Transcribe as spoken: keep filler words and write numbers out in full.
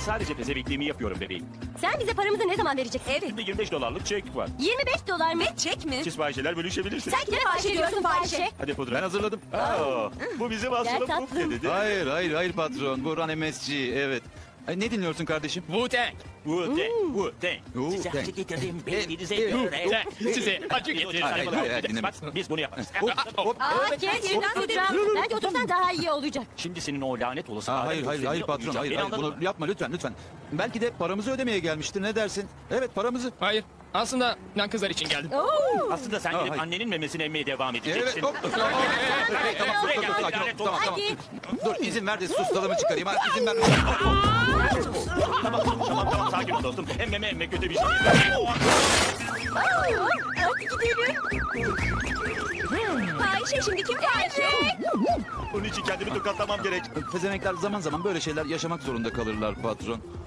sadece pezevenkliğimi yapıyorum bebeğim. Sen bize paramızı ne zaman vereceksin? Evet. Şimdi yirmi beş dolarlık çek var. yirmi beş dolar mı? Çek mi? Siz fahişeler bölüşebilirsiniz. Sen kime fahişe diyorsun fahişe? Hadi pudra. Ben hazırladım. Aa, bu bizim aslında tatlım. Puf ne dedi? Hayır hayır hayır patron. Bu Run M S G evet. Ay, ne dinliyorsun kardeşim? Wu-Tang. Wu-Tang, Wu-Tang. Wu-Tang. Size acı getirdim beyninize Evet, göre. Wu-Tang. Size acı getirdim. Hayır, hayır, hayır, dinleme. Bak, biz bunu yaparız. Aa kes pudra. Bence otursan daha iyi olacak. Şimdi senin o lanet olası... Aa, alem hayır hayır hayır gösterini patron okuyacağım. hayır Beni hayır anladın bunu mı? yapma lütfen lütfen. Belki de paramızı ödemeye gelmiştir ne dersin? Evet paramızı. Hayır. Aslında ben kızlar için geldim. Oo. Aslında sen Aa, gidip hayır. annenin memesini emmeye devam Evet edeceksin. hop. Tamam tamam Buraya dur, gel, dur, sakin ol. lanet Tamam tamam. Hadi. Dur izin ver de sustalımı çıkarayım. Ha, izin ver. Tamam tamam tamam sakin ol dostum. Emmeme emme kötü bir şey. Hadi gidelim. Fahişe şimdi kim fahişe? Bunun için kendimi tokatlamam gerek. Pezenekler zaman zaman böyle şeyler yaşamak zorunda kalırlar patron.